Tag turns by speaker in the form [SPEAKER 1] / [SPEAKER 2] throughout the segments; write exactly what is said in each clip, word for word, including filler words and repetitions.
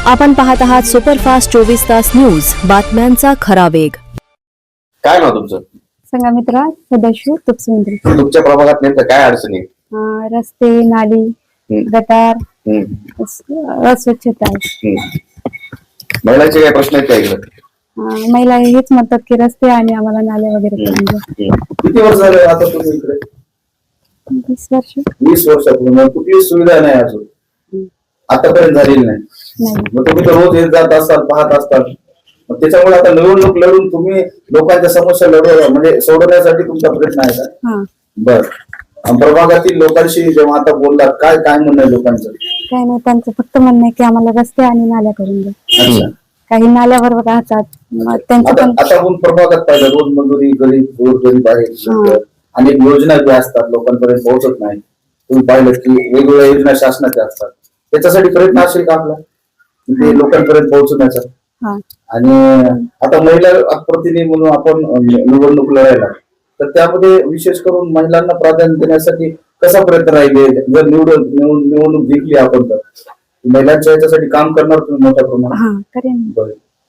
[SPEAKER 1] आपण पाहत आहात सुपरफास्ट चोवीस तास न्यूज, बातम्यांचा खरा वेग.
[SPEAKER 2] काय नाव तुमचं?
[SPEAKER 3] संघमित्रा सदाशिव तुपसुंदरी.
[SPEAKER 2] तुमच्या प्रभागात नेमकं काय अडचणी?
[SPEAKER 3] रस्ते, नाली, गटार, अस्वच्छता.
[SPEAKER 2] महिलांचे काय प्रश्न आहेत का इकडे?
[SPEAKER 3] महिला हेच म्हणतात की रस्ते आणि आम्हाला नाले वगैरे करून द्या.
[SPEAKER 2] किती वर्ष झाले आता तुम्ही इकडे?
[SPEAKER 3] वीस वर्ष.
[SPEAKER 2] वीस वर्षापूर्वी कुठलीही सुविधा नाही अजून आतापर्यंत झालेली नाही. मग तुम्ही तर रोज येत जात असतात, पाहत असतात. मग त्याच्यामुळे आता निवडणूक लढून तुम्ही लोकांच्या समस्या लढव म्हणजे सोडवण्यासाठी तुमचा प्रयत्न आहे का? बर. प्रभागातील लोकांशी जेव्हा आता बोललात, काय काय म्हणणं आहे लोकांचं?
[SPEAKER 3] काय नाही, त्यांचं फक्त म्हणणं आहे की आम्हाला रस्ते आणि नाल्या करून द्या. काही नाल्यावर राहतात त्यांचं पण.
[SPEAKER 2] आता आपण प्रभागात पाहिलं रोज मंजुरी, गरीब गोर गरीब आहे, अनेक योजना ज्या असतात लोकांपर्यंत पोहोचत नाही. तुम्ही पाहिलं की वेगवेगळ्या योजना शासनाच्या असतात, त्याच्यासाठी प्रयत्न असेल का आपला ते लोकांपर्यंत पोहोचण्याचा? आणि आता महिला प्रतिनिधी म्हणून आपण निवडणूक लढायला, तर त्यामध्ये विशेष करून महिलांना प्राधान्य देण्यासाठी कसा प्रयत्न राहिले? जर निवडून निवडणूक जिंकली आपण तर महिलांच्या याच्यासाठी काम करणार तुम्ही मोठ्या प्रमाणात?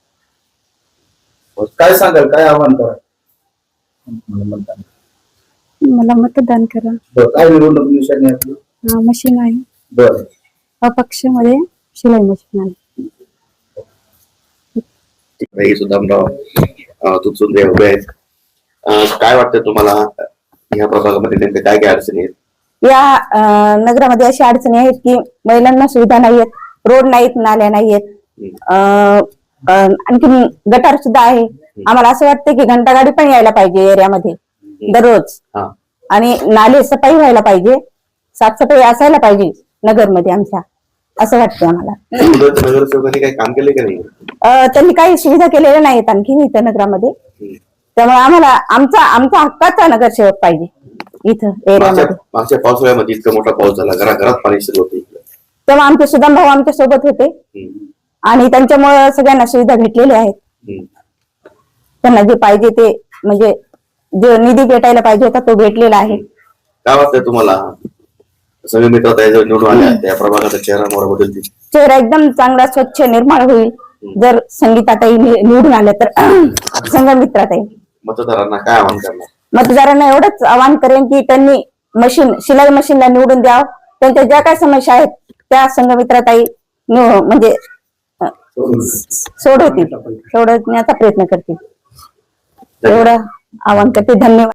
[SPEAKER 2] काय सांगाल, काय आव्हान करा?
[SPEAKER 3] मला मतदान करा.
[SPEAKER 2] काय निवडणूक निशाणी आपली?
[SPEAKER 3] मशीन आहे.
[SPEAKER 2] बरं.
[SPEAKER 3] अपक्ष मध्ये शिलाई मशीन आहे.
[SPEAKER 2] सुद्धा तुपसुंदरे उभे आहेत. काय वाटतं तुम्हाला या प्रभागामध्ये नेमके काय काय अडचणी आहेत?
[SPEAKER 4] या नगरामध्ये अशी अडचणी आहेत की महिलांना सुविधा नाहीयेत, रोड नाहीत, नाल्या नाहीयेत, आणखी गटार सुद्धा आहे. आम्हाला असं वाटतं की घंटागाडी पण यायला पाहिजे एरियामध्ये दररोज, आणि नाले सफाई व्हायला पाहिजे, साफसफाई असायला पाहिजे नगरमध्ये आमच्या, असं वाटतं आम्हाला.
[SPEAKER 2] नगरसेवकांनी काही काम केले का नाही?
[SPEAKER 4] त्यांनी काही सुविधा केलेल्या नाहीत आणखी इथं नगरामध्ये. त्यामुळे आम्हाला आमचा आमचा हक्काचा नगरसेवक पाहिजे इथं एरियामध्ये.
[SPEAKER 2] मागच्या पावसाळ्यामध्ये इतका मोठा पाऊस झाला, घराघरात पाणी शिरलं होतं,
[SPEAKER 4] तेव्हा आमचे सुदाम भाऊ आमच्या सोबत होते आणि त्यांच्यामुळे सगळ्यांना सुविधा भेटलेल्या आहेत. त्यांना जे पाहिजे ते म्हणजे जो निधी भेटायला पाहिजे होता तो भेटलेला आहे.
[SPEAKER 2] काय वाटतं तुम्हाला संघमित्रा निवडून आल्या त्या प्रभागाचा चेहरा मोहरा बदलतील?
[SPEAKER 4] चेहरा एकदम चांगला स्वच्छ निर्मळ होईल जर संगीताताई निवडून आल्या तर. संघमित्राताई
[SPEAKER 2] मतदारांना काय आवाहन करणार?
[SPEAKER 4] मतदारांना एवढंच आवाहन करेन की त्यांनी मशीन शिलाई मशीनला निवडून द्यावं. त्यांच्या ज्या काय समस्या आहेत त्या संघमित्राताई म्हणजे सोडवतील, सोडवण्याचा प्रयत्न करतील, एवढं आवाहन करते. धन्यवाद.